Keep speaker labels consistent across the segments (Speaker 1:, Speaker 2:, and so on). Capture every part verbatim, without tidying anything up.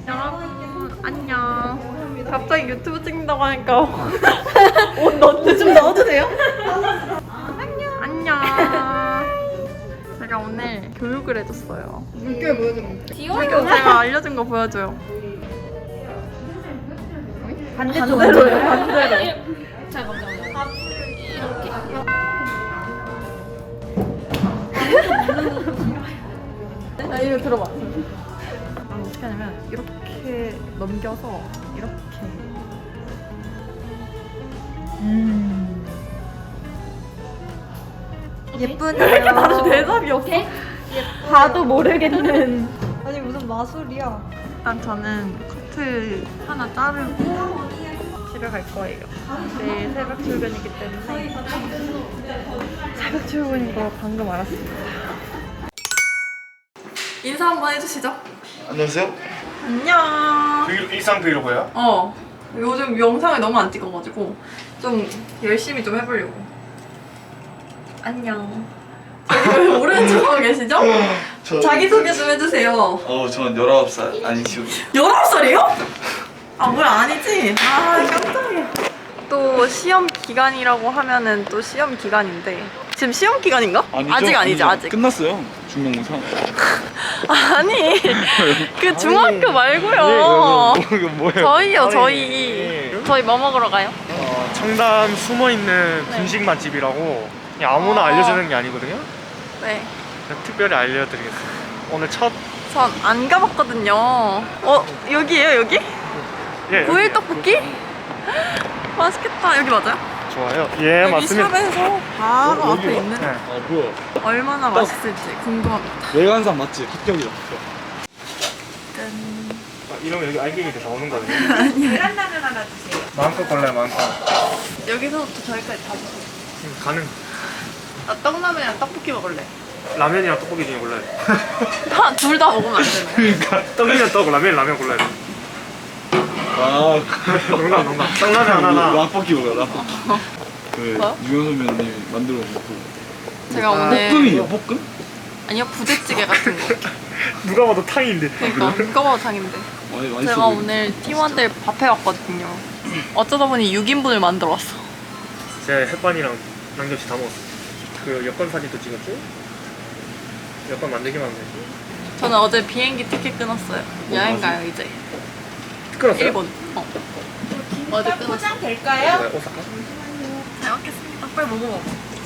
Speaker 1: 여러분 안녕. 갑자기 유튜브 찍는다고 하니까 옷 넣어도 좀 넣어도 돼요? 안녕. 안녕. 제가 오늘 교육을 해줬어요.
Speaker 2: 물결 보여주면
Speaker 1: 지금 제가 알려준 거 보여줘요.
Speaker 2: 반대쪽으로요?
Speaker 1: 반대로.
Speaker 2: 자, 먼저 이렇게.
Speaker 1: 아 이거 들어봐. 아, 어떻게 하냐면 이렇게 넘겨서 이렇게. 음. 예쁘네요. 바로 대답이 없어.
Speaker 2: 봐도 모르겠는. 아니 무슨 마술이야?
Speaker 1: 일단 저는 커트 하나 자르고 집에 갈 거예요. 내일 새벽 출근이기 때문에. 새벽 출근인 거 방금 알았습니다. 인사 한번 해주시죠.
Speaker 3: 안녕하세요.
Speaker 1: 안녕.
Speaker 3: 브이로그, 일상 브이로그요?
Speaker 1: 어. 요즘 영상을 너무 안 찍어가지고 좀 열심히 좀 해보려고. 안녕. 저기 왜 모르는 척하고 계시죠?
Speaker 3: 저,
Speaker 1: 자기소개 좀 해주세요.
Speaker 3: 어, 전 열아홉 살 아니죠.
Speaker 1: 열아홉 살이요? 아 뭐야 아니지? 아 깜짝이야. 또 시험 기간이라고 하면은 또 시험 기간인데 지금 시험 기간인가?
Speaker 4: 아니죠,
Speaker 1: 아직 아니죠 아직.
Speaker 4: 끝났어요. 중간고사.
Speaker 1: 아니 그 중학교 말고요.
Speaker 4: 예, 이거 뭐예요?
Speaker 1: 저희요
Speaker 5: 아니,
Speaker 1: 저희.
Speaker 5: 예.
Speaker 1: 저희 뭐 먹으러 가요?
Speaker 5: 어, 청담 숨어있는
Speaker 1: 네.
Speaker 5: 분식 맛집이라고 그냥 아무나
Speaker 1: 어.
Speaker 5: 알려주는 게 아니거든요.
Speaker 1: 네.
Speaker 5: 그냥 특별히 알려드리겠습니다. 오늘 첫
Speaker 1: 전 안 가봤거든요. 어 여기에요 여기?
Speaker 5: 예,
Speaker 1: 고일
Speaker 5: 여기요.
Speaker 1: 떡볶이? 맛있겠다. 여기 맞아요?
Speaker 5: 좋아요. 예,
Speaker 1: 여기
Speaker 5: 맞습니다.
Speaker 1: 샵에서 바로
Speaker 4: 어,
Speaker 1: 앞에
Speaker 4: 여기요?
Speaker 1: 있는
Speaker 5: 네.
Speaker 4: 아 뭐야?
Speaker 1: 얼마나 맛있을지 궁금합니다.
Speaker 4: 외관상 맞지? 합격이다. 합격.
Speaker 1: 짠.
Speaker 5: 아, 이러면 여기 알갱이 돼서 오는 거든요.
Speaker 2: 계란라면 하나 주세요. 마음껏
Speaker 5: 골라요, 마음껏.
Speaker 1: 여기서부터 저기까지 다 주세요.
Speaker 5: 음, 가능.
Speaker 1: 나 떡라면이랑 떡볶이 먹을래.
Speaker 5: 라면이랑 떡볶이 중에 골라야 돼.
Speaker 1: 둘 다 먹으면 안 되나요?
Speaker 5: 그러니까 떡이면 떡, 라면 라면 골라야 돼.
Speaker 4: 아
Speaker 5: 농담, 농담. 떡라면 하나나.
Speaker 4: 라볶이 먹어. 라볶이. 그
Speaker 1: 뭐요?
Speaker 4: 유현 선배님 만들어 놓은 볶음.
Speaker 1: 제가
Speaker 5: 아,
Speaker 1: 오늘
Speaker 4: 볶음이에요? 볶음?
Speaker 1: 아니요 부대찌개 같은 거.
Speaker 5: 누가 봐도 탕인데.
Speaker 1: 그러니까 누가 봐도 장인데.
Speaker 4: 많이 많이
Speaker 1: 제가 오늘 팀원들 밥 해왔거든요. 어쩌다 보니 육 인분을 만들어 왔어.
Speaker 5: 제가 햇반이랑 남김치 다 먹었어요. 그 여권 사진도 찍었죠? 여권 만들기만 하면 되지.
Speaker 1: 저는 어제 비행기 티켓 끊었어요. 여행 가요 이제.
Speaker 5: 끊었어요?
Speaker 1: 일본. 어. 어제 끊었어.
Speaker 2: 포장 될까요?
Speaker 5: 네, 오사카?
Speaker 1: 잘 먹겠습니다. 빨리 먹어봐.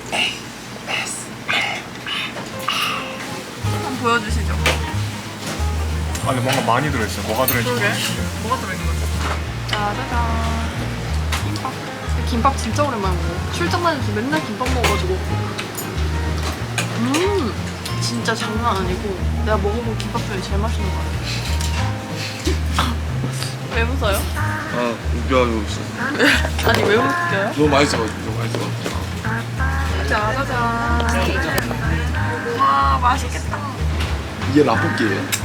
Speaker 1: 한번 보여주시죠.
Speaker 5: 아 근데 뭔가 많이 들어있어요. 뭐가 들어있는지
Speaker 1: 그러게.
Speaker 5: 모르겠어요.
Speaker 1: 뭐가 들어있는 거지? 짜자잔. 김밥. 김밥 진짜 오랜만에 먹어. 출장 다니면서 맨날 김밥 먹어가지고. 음, 진짜 장난 아니고 내가 먹어본 김밥 중에 제일 맛있는 거 같아. 왜 웃어요?
Speaker 4: 아 웃겨가지고 있어.
Speaker 1: 아니 왜 웃겨요?
Speaker 4: 너무 맛있어가지고 너무 맛있어.
Speaker 1: 짜자잔. 와 맛있겠다.
Speaker 4: 이게 라볶이에요.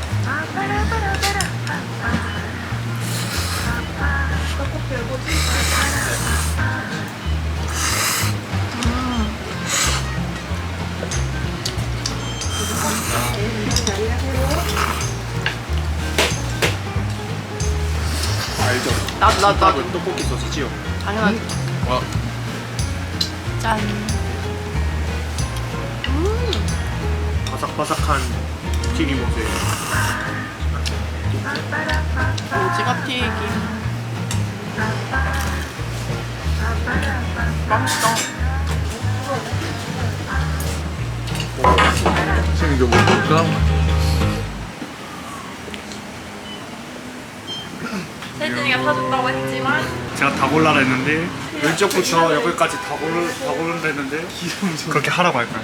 Speaker 4: 알죠?
Speaker 1: 나도 나도 나도.
Speaker 5: 김밥은 떡볶이 소시지요.
Speaker 1: 당연하지.
Speaker 4: 와
Speaker 1: 짠. 음.
Speaker 5: 바삭바삭한 튀김옷에
Speaker 1: 오징어 튀김. 맛있다.
Speaker 4: 지금 이거 먹을까?
Speaker 1: 세진이가 사준다고 했지만
Speaker 5: 제가 다 골라라 했는데 왼쪽부터 여기까지 다 고르 다 고른다 했는데 그렇게 하라고 할까요?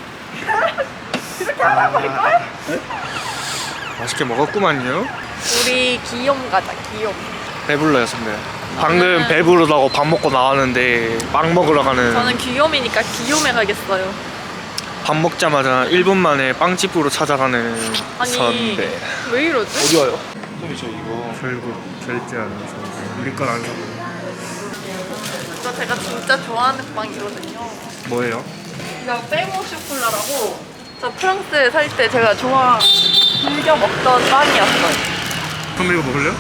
Speaker 5: 그렇게 하라고 할까요? 맛있게 먹었구만요.
Speaker 1: 우리 기욤 가자 기욤.
Speaker 5: 배불러요 선배. 방금 배부르다고 밥 먹고 나왔는데 빵 먹으러 가는.
Speaker 1: 저는 기욤이니까 기욤에 가겠어요.
Speaker 5: 밥 먹자마자 일 분 만에 빵집으로 찾아가는
Speaker 1: 아니
Speaker 5: 선배.
Speaker 1: 왜 이러지?
Speaker 4: 어디 와요? 선배 저 이거
Speaker 5: 결국 결제하는 선배. 우리 건 안 사고.
Speaker 1: 이거 제가 진짜 좋아하는 빵이거든요.
Speaker 5: 뭐예요?
Speaker 1: 이거 빼모 쇼콜라라고 저 프랑스에 살 때 제가 좋아 즐겨 먹던 빵이었어요.
Speaker 5: 한번 이거 먹을래요?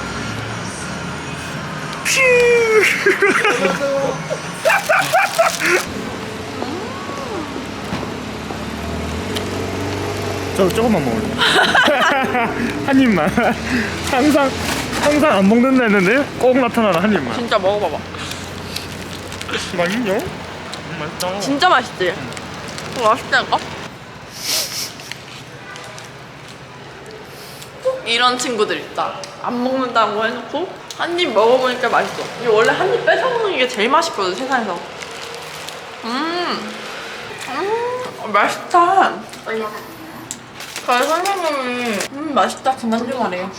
Speaker 5: 저도 조금만 먹을래요. 한 입만. 항상 항상 안 먹는다 했는데 꼭 나타나는 한 입만.
Speaker 1: 진짜 먹어봐봐.
Speaker 5: 맛있냐? 음, 맛있다.
Speaker 1: 진짜 맛있지? 어, 맛있다니까? 꼭 이런 친구들 있다. 안 먹는다고 해놓고 한 입 먹어보니까 맛있어. 이게 원래 한 입 뺏어 먹는 게 제일 맛있거든, 세상에서. 음, 음, 맛있다. 저희 선생님이 음, 맛있다 그만 좀 하래요.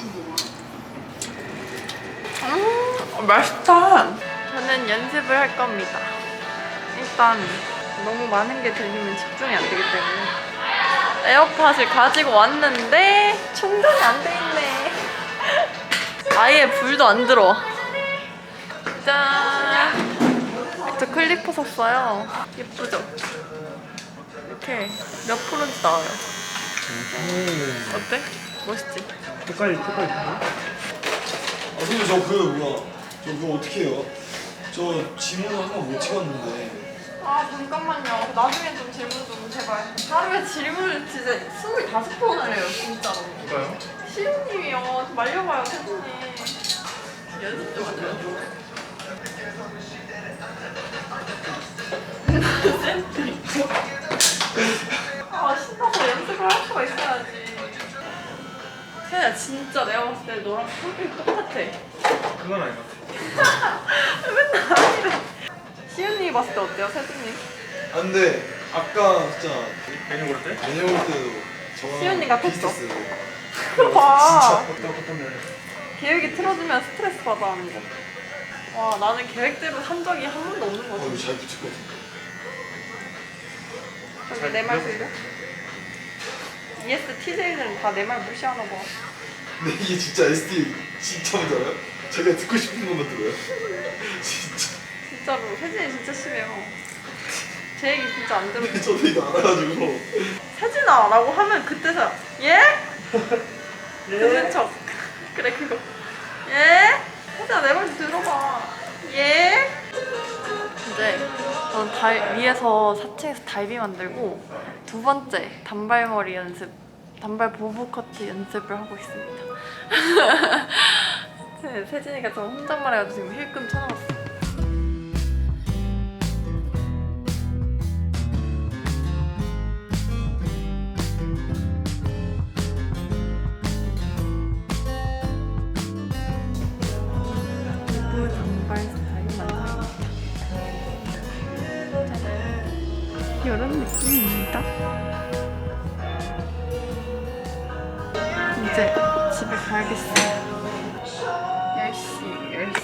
Speaker 1: 음, 맛있다. 저는 연습을 할 겁니다. 일단 너무 많은 게 들리면 집중이 안 되기 때문에 에어팟을 가지고 왔는데 충전이 안 돼 있네. 아예 불도 안 들어와. 짠! 저 클리퍼 샀어요. 예쁘죠? 이렇게 몇 프로인지 나와요. 어때? 멋있지?
Speaker 5: 색깔이 색깔이 있네.
Speaker 4: 아 근데 저 그 뭐야 저 그거 어떻게 해요? 저 지문 하나 못 찍었는데.
Speaker 1: 아 잠깐만요. 나중에 좀 질문 좀 제발. 하루에 질문을 진짜 스물다섯 번을 해요 진짜로.
Speaker 5: 누가요?
Speaker 1: 시우님이요. 좀 말려봐요 세준님. 연습 좀 하세요. 아 신나서 연습을 할 수가 있어야지. 세야 진짜 내가 봤을 때 너랑 성격이 똑같아.
Speaker 5: 그건 아닌 것 같아.
Speaker 1: 맨날 아니래. 시우님이 봤을 때 어때요 세준님?
Speaker 4: 아 근데 아까 진짜
Speaker 5: 메뉴 고를 때?
Speaker 4: 메뉴 볼 때도 저랑
Speaker 1: 시연이 같았어.
Speaker 4: 비슷했어요.
Speaker 1: 그거 봐.
Speaker 5: 어떤 어떤 면에?
Speaker 1: 계획이 틀어지면 스트레스 받아 하는 거. 와 나는 계획대로 산 적이 한 번도 없는
Speaker 4: 어 이거
Speaker 1: 거지.
Speaker 4: 잘 붙였거든.
Speaker 1: 저기 내 말 들려? 이에스 티제이들은 다 내 말 무시하나 봐.
Speaker 4: 근데 이게 진짜 에스디 진짜 뭔지 알아요? 제가 듣고 싶은 것만 들어요. 진짜.
Speaker 1: 진짜로 세진이 진짜 심해요. 제 얘기 진짜 안 들어.
Speaker 4: 저도 이거 알아가지고.
Speaker 1: 세진아 라고 하면 그때서야 예? 듣는 척. 그래 그거. 예? 세진아 내 말 좀 들어봐. 예? 이제 저는 달, 위에서 사 층에서 달비 만들고 두 번째 단발머리 연습, 단발 보브 커트 연습을 하고 있습니다. 네, 세진이가 좀 혼잣말해가지고 지금 힐끔 쳐나갔어. 보브 단발 스타일 만듭니다. 이런 느낌입니다. 이제 집에 가야겠어요. 열 시, 열 시